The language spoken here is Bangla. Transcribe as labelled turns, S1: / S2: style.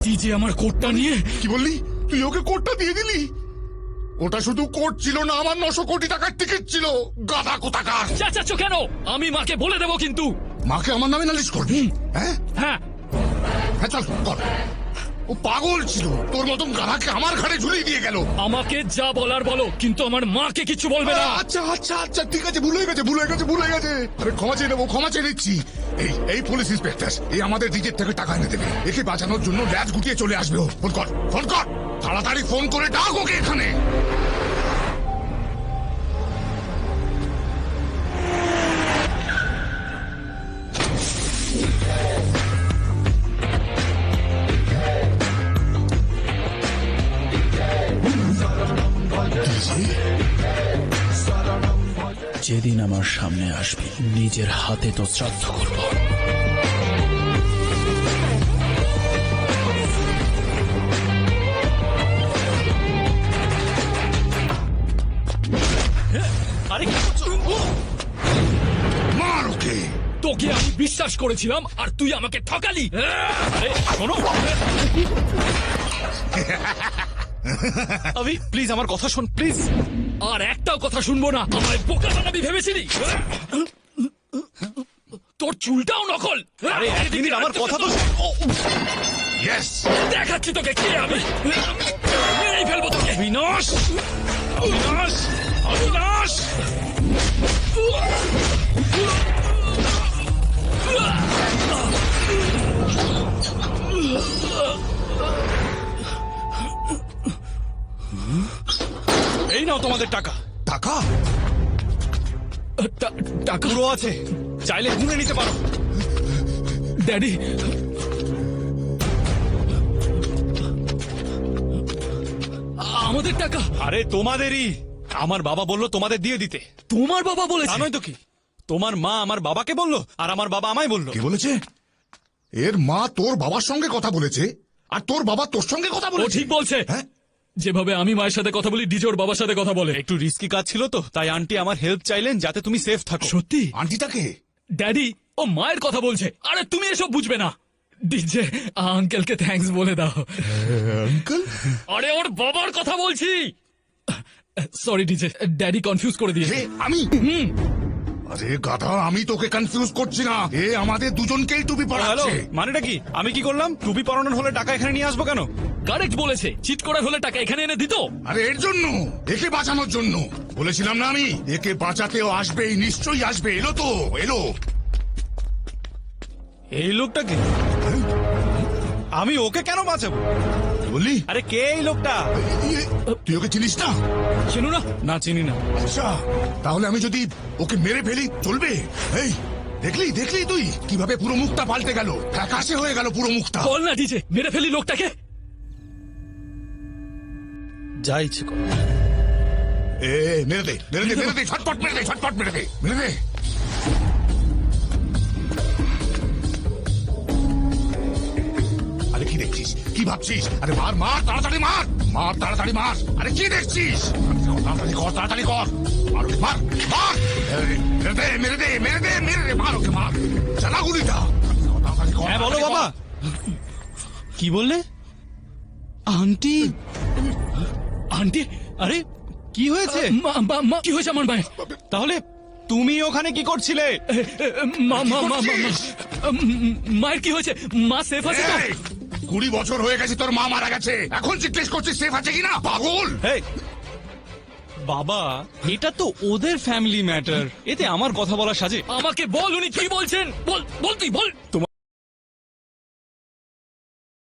S1: তুই যে আমার কোটটা নিয়ে
S2: কি বললি? তুই ওকে কোটটা দিয়ে দিলি? ওটা শুধু কোট ছিল না, আমার 900 কোটি টাকার টিকিট ছিল। গাধা কোথাকার!
S1: চেঁচাচ্ছ কেন? আমি মাকে বলে দেবো কিন্তু।
S2: মাকে আমার নামে নালিশ করবি? হ্যাঁ
S1: হ্যাঁ,
S2: হ্যাঁ, চল কর। ও পাগল ছিল, তোর মতন গাধাকে আমার ঘাড়ে ঝুলিয়ে দিয়ে গেল।
S1: আমাকে যা বলার বলো, কিন্তু আমার মাকে কিছু বলবে না।
S2: আচ্ছা আচ্ছা আচ্ছা, ঠিক আছে, ভুলে গেছে। আরে ক্ষমা চেয়ে নেবো, ক্ষমা চেয়ে নিচ্ছি। এই পুলিশ ইন্সপেক্টর, এই আমাদের ডিজের থেকে টাকা এনে দেবে। একে বাঁচানোর জন্য ল্যাজ গুটিয়ে চলে আসবে ও। ফোন কর, তাড়াতাড়ি ফোন করে ডাক ওকে এখানে।
S1: যেদিন আমার সামনে আসবি, নিজের হাতে তো শ্রাদ্ধ করব। আরে কি করছো?
S2: মার ওকে।
S1: তোকে আমি বিশ্বাস করেছিলাম আর তুই আমাকে ঠকালি। আরে শোনো,
S3: আবি প্লিজ আমার কথা শোন, প্লিজ।
S1: আর একটাও কথা শুনবো না। আমায় বোকা বানাবি ভেবেছিলি? তোর চুলটাও নকল।
S3: আরে এক মিনিট, আমার কথা তো শোন।
S2: ইয়েস,
S1: দেখাচ্ছি তোকে কে আমি। মেরেই ফেলবো তোকে।
S3: অবিনাশ, অবিনাশ, অবিনাশ! এই নাও তোমাদের টাকা।
S2: টাকা?
S1: টাকা?
S3: পুরো আছে, চাইলে গুনে নিতে পারো।
S1: ড্যাডি, আমাদের টাকা?
S3: আরে তোমাদেরই। আমার বাবা বললো তোমাদের দিয়ে দিতে।
S1: তোমার বাবা বলেছে?
S3: জানোই তো কি, তোমার মা আমার বাবাকে বললো আর আমার বাবা আমায় বললো।
S2: কি বলেছে? এর মা তোর বাবার সঙ্গে কথা বলেছে আর তোর বাবা তোর সঙ্গে কথা
S1: ও
S2: বলেছে?
S1: ঠিক বলছে।
S2: হ্যাঁ?
S1: যেভাবে আমি মায়ের সাথে কথা বলি, ডিজোর বাবার সাথে কথা বলে।
S3: একটু রিস্কি কাজ ছিল তো, তাই আন্টি আমার হেল্প চাইলেন যাতে তুমি সেফ থাকো।
S1: সত্যি?
S2: আন্টিটাকে?
S1: ড্যাডি, ও মায়ের কথা বলছে। আরে তুমি এসব বুঝবে না। ডিজে আঙ্কেলকে থ্যাঙ্কস বলে দাও।
S2: আঙ্কেল?
S1: আরে ওর বাবার কথা বলছি। সরি ডিজে, ড্যাডি কনফিউজ করে দিয়েছে।
S2: আমি? আরে গাধা, আমি তোকে কনফিউজ করছি না। এ আমাদের দুজনকেই টুপি
S3: হ্যালো,
S2: পরাচ্ছে।
S3: মানেটা কি? আমি কি করলাম? টুপি পরানোর হলে টাকা এখানে নিয়ে আসবো কেন?
S1: কারেক্ট বলেছে। চিট করার হলে টাকা এখানে এনে দিত।
S2: আরে এর জন্য, একে বাঁচানোর জন্য। বলেছিলাম না আমি, একে বাঁচাতেও আসবেই, নিশ্চয়ই আসবে। এলো তো, এলো।
S3: এই লোকটাকে আমি ওকে কেন বাঁচাবো?
S2: কি বললি?
S3: আরে কে এই লোকটা?
S2: তুই ওকে চিনিস না?
S1: চেনো না?
S3: না, চিনি না।
S2: আচ্ছা, তাহলে আমি যদি ওকে মেরে ফেলি চলবে? এই দেখলি তুই কিভাবে পুরো মুখটা পাল্টে গেল, ফ্যাকাশে হয়ে গেল পুরো মুখটা।
S1: বল না ডিজে, মেরে ফেলি লোকটাকে।
S3: যা ইচ্ছে কর।
S2: মেরে দে, ছটপট মেরে দে। আরে কি দেখছিস? কি ভাবছিস? আরে মার, তাড়াতাড়ি মার। আরে কি দেখছিস? তাড়াতাড়ি কর। মার ওকে, মার। মেরে দে, মার ওকে, মার। চালা গুলিটা। তাড়াতাড়ি কর।
S3: হ্যাঁ বলো
S2: তাড়াতাড়ি কর।
S3: বাবা। কি বললে? আন্টি?
S1: আন্টি?
S3: আরে কি হয়েছে?
S1: কি হয়েছে আমার মায়ের?
S3: তাহলে তুমি ওখানে কি করছিলে?
S1: মায়ের কি হয়েছে? মা সেফ আছে তো?
S2: এই, 20 বছর হয়ে গেছে তোর মা মারা গেছে, এখন জিজ্ঞেস করছিস সেফ আছে কিনা? পাগল!
S3: এই, বাবা, এটা তো ওদের ফ্যামিলি ম্যাটার, এতে আমার কথা বলা সাজে?
S1: আমাকে বল উনি কি বলছেন। বল তুই বল।